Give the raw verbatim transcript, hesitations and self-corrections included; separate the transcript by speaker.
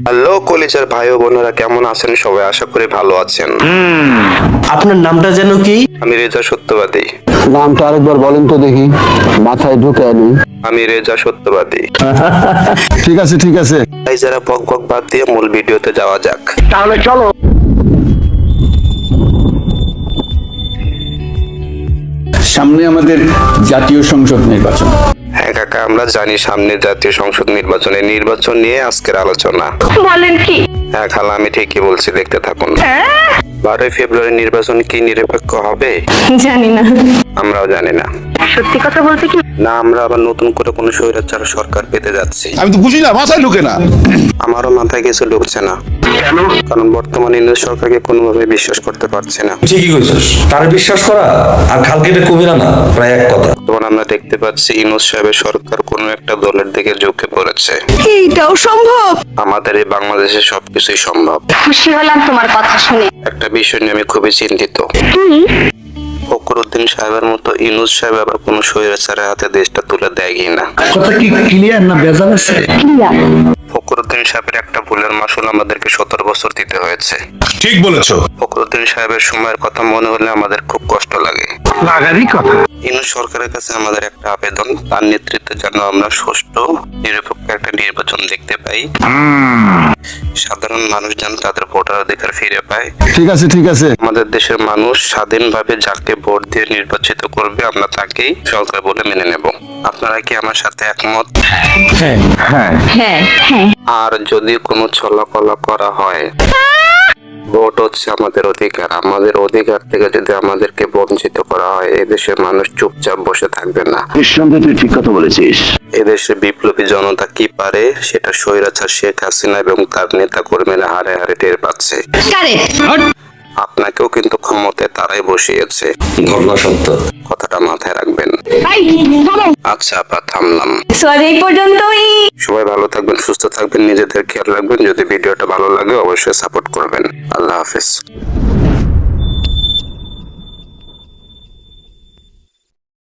Speaker 1: Hello কলিজার ভাই ও বোনেরা, কেমন আছেন সবাই? আশা করি ভালো আছেন।
Speaker 2: আপনার নামটা যেন কি?
Speaker 1: আমি রেজা সত্যবাদী।
Speaker 3: নামটা আরেকবার বলেন তো দেখি, মাথায় ঢুকে আনি।
Speaker 1: আমি রেজা সত্যবাদী।
Speaker 3: ঠিক আছে ঠিক আছে,
Speaker 1: তাই যারা বক বক বাদ দিয়ে মূল ভিডিওতে যাওয়া যাক।
Speaker 3: তাহলে চলো।
Speaker 4: সামনে আমাদের জাতীয় সংসদ নির্বাচন।
Speaker 1: হ্যাঁ কাকা, আমরা জানি সামনে জাতীয় সংসদ নির্বাচনে নির্বাচন নিয়ে আজকের আলোচনা।
Speaker 5: বলেন কি?
Speaker 1: হ্যাঁ খালা, আমি ঠিকই বলছি, দেখতে থাকুন। বারোই ফেব্রুয়ারি নির্বাচন কি নিরপেক্ষ হবে?
Speaker 5: জানি না।
Speaker 1: আমরাও জানি না।
Speaker 5: সত্যি কথা বলতে কি,
Speaker 1: না আমরা আবার নতুন করে কোনো স্বৈরাচার সরকার পেতে যাচ্ছি।
Speaker 4: আমি তো বুঝি না, মাথায় ঢুকে না।
Speaker 1: আমারও মাথায় কিছু ঢুকছে না, কারণ বর্তমানে ইংরেজ সরকারকে কোনোভাবে বিশ্বাস করতে পারছি না।
Speaker 6: ঠিকই কইছিস, তারা বিশ্বাস করা আর খালকেটে কুমিরা না প্রায় এক কথা।
Speaker 1: তখন আমরা দেখতে পাচ্ছি ইউনূস সাহেবের সরকার কোনো একটা দলের দিকে ঝুঁকে পড়েছে।
Speaker 5: এইটাও সম্ভব?
Speaker 1: আমাদের এই বাংলাদেশে সবকিছুই সম্ভব।
Speaker 5: খুশি হলাম তোমার কথা শুনে।
Speaker 1: একটা বিষয় নিয়ে আমি খুবই চিন্তিত। ফখরুদ্দিন সাহেবের মতো ইউনূস সাহেব আবার কোনো স্বৈরাচারের হাতে দেশটা তুলে দেয় কিনা।
Speaker 2: কথা কি ক্লিয়ার না ভেজাল আছে?
Speaker 1: ফখরুদ্দিন সাহেবের একটা ভুলের মাসুল আমাদেরকে সতেরো বছর দিতে হয়েছে।
Speaker 4: ঠিক বলেছো।
Speaker 1: ফখরুদ্দিন সাহেবের সময়ের কথা মনে হলে আমাদের খুব কষ্ট লাগে।
Speaker 3: লাগারই কথা।
Speaker 1: ইউনূস সরকারের কাছে আমাদের একটা আবেদন, তার নেতৃত্বে যেন আমরা সুষ্ঠু নিরপেক্ষ একটা নির্বাচন দেখতে পাই। সাধারণ মানুষ যেন তাদের ভোটার অধিকার ফিরে পায়।
Speaker 3: ঠিক আছে ঠিক আছে,
Speaker 1: আমাদের দেশের মানুষ স্বাধীনভাবে যাকে ভোট দিয়ে নির্বাচিত করবে আমরা তাকেই সরকার বলে মেনে নেব। আপনারা কি আমার সাথে একমত?
Speaker 2: হ্যাঁ
Speaker 5: হ্যাঁ হ্যাঁ।
Speaker 1: আর যদি কোনো ছলাকলা করা হয়, ভোট হচ্ছে আমাদের অধিকার, আমাদের অধিকার থেকে যদি আমাদেরকে বঞ্চিত করা হয়, এদেশের মানুষ চুপচাপ বসে থাকবে না।
Speaker 3: নিঃসন্দেহে তুই ঠিক কথা বলেছিস।
Speaker 1: এদেশে বিপ্লবী জনতা কি পারে সেটা স্বৈরাচার শেখ হাসিনা এবং তার নেতা কর্মীরা হারে হারে টের পাচ্ছে। আপনাকেও কিন্তু ক্ষমতায় তারাই বসিয়েছে,
Speaker 6: ঘটনা সত্য।
Speaker 1: কথাটা মাথায় রাখবেন। আচ্ছা আপা, থামলাম।
Speaker 5: সরি, এই পর্যন্তই।
Speaker 1: সবাই ভালো থাকবেন, সুস্থ থাকবেন, নিজেদের খেয়াল রাখবেন। যদি ভিডিওটা ভালো লাগে অবশ্যই সাপোর্ট করবেন। আল্লাহ হাফেজ।